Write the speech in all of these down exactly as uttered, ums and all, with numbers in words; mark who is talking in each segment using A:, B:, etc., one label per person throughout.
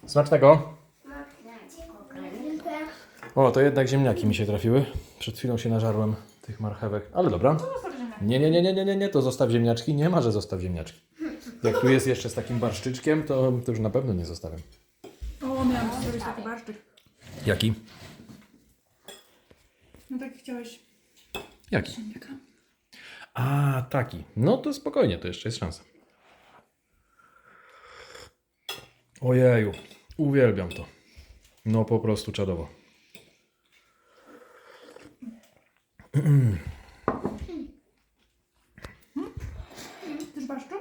A: Smacznego.
B: Dziękuję.
A: O, to jednak ziemniaki mi się trafiły. Przed chwilą się nażarłem tych marchewek, ale dobra. Nie, nie, nie, nie, nie, nie, nie, to zostaw ziemniaczki. Nie ma, że zostaw ziemniaczki. Jak tu jest jeszcze z takim barszczyczkiem, to, to już na pewno nie zostawiam.
C: O, miałam ci zrobić taki barszczyk.
A: Jaki?
C: No tak chciałeś.
A: Jaki?
C: Ziemniaka.
A: A, taki. No to spokojnie, to jeszcze jest szansa. Ojeju, uwielbiam to. No po prostu czadowo.
C: Chcesz barszczu?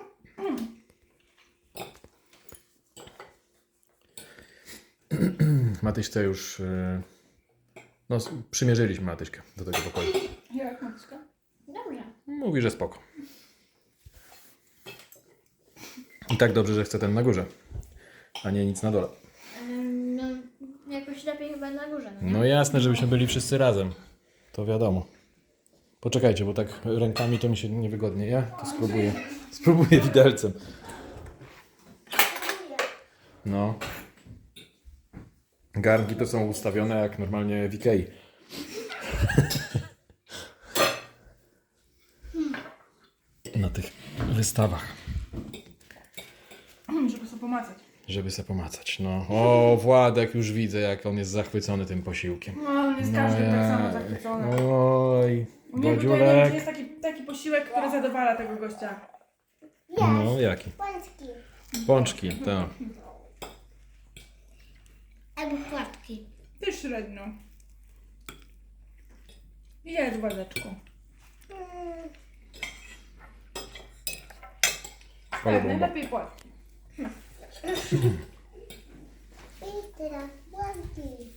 A: Matyśce już... yy, No, s- przymierzyliśmy Matyśkę do tego pokoju.
C: Jak, Matyśka?
B: Dobrze.
A: Mówi, że spoko. I tak dobrze, że chce ten na górze, a nie nic na dole.
B: Ym, No, jakoś lepiej chyba na górze, no nie?
A: No jasne, żebyśmy byli wszyscy razem. To wiadomo. Poczekajcie, bo tak rękami to mi się niewygodnie. Ja to spróbuję. Spróbuję widelcem. No. Garnki to są ustawione jak normalnie w Ikei. Na tych wystawach.
C: Żeby sobie pomacać.
A: Żeby se pomacać. No. O, Władek, już widzę, jak on jest zachwycony tym posiłkiem.
C: No, on jest każdy tak samo zachwycony.
A: Oj,
C: U niego tutaj
A: Bodziulek.
C: jest taki, taki posiłek, który zadowala tego gościa.
A: No, jaki?
B: Pączki.
A: Pączki, tak.
B: Albo płatki.
C: Ty średnio. Jedz, Władeczku.
A: Ale
C: Tak,
A: bomba.
C: najlepiej płatki.
B: I teraz płatki.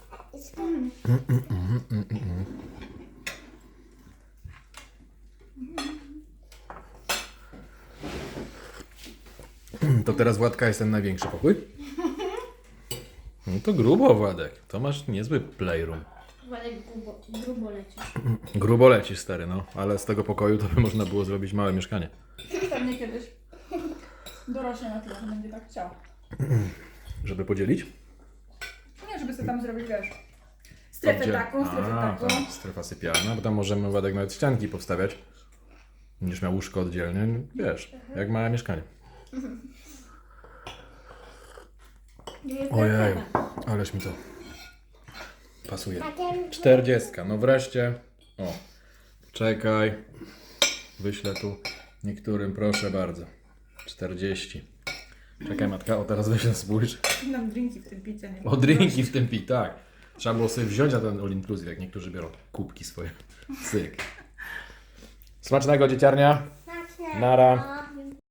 A: To teraz Władka jest ten największy pokój? No to grubo, Władek. To masz niezły playroom.
B: Władek grubo, grubo lecisz.
A: Grubo leci, stary, no. Ale z tego pokoju to by można było zrobić małe mieszkanie.
C: Pewnie kiedyś dorośnie na tyle, że będzie tak chciał.
A: Żeby podzielić?
C: Nie, żeby sobie tam zrobić, wiesz, strefę
A: Oddziel-
C: taką, strefę
A: A,
C: taką.
A: tam strefa sypialna, bo tam możemy, Władek, nawet ścianki powstawiać. Będziesz miał łóżko oddzielnie, wiesz, jak małe mieszkanie. Ojej, ależ mi to pasuje. Czterdziestka, no wreszcie. O, czekaj. Wyślę tu niektórym, proszę bardzo. Czterdzieści. Czekaj, matka, o teraz weź spójrz.
C: Nam drinki w tym picie, nie?
A: O, drinki w tym pi, tak. Trzeba było sobie wziąć na ten all inclusive, jak niektórzy biorą kubki swoje. Cyk. Smacznego, dzieciarnia. Nara.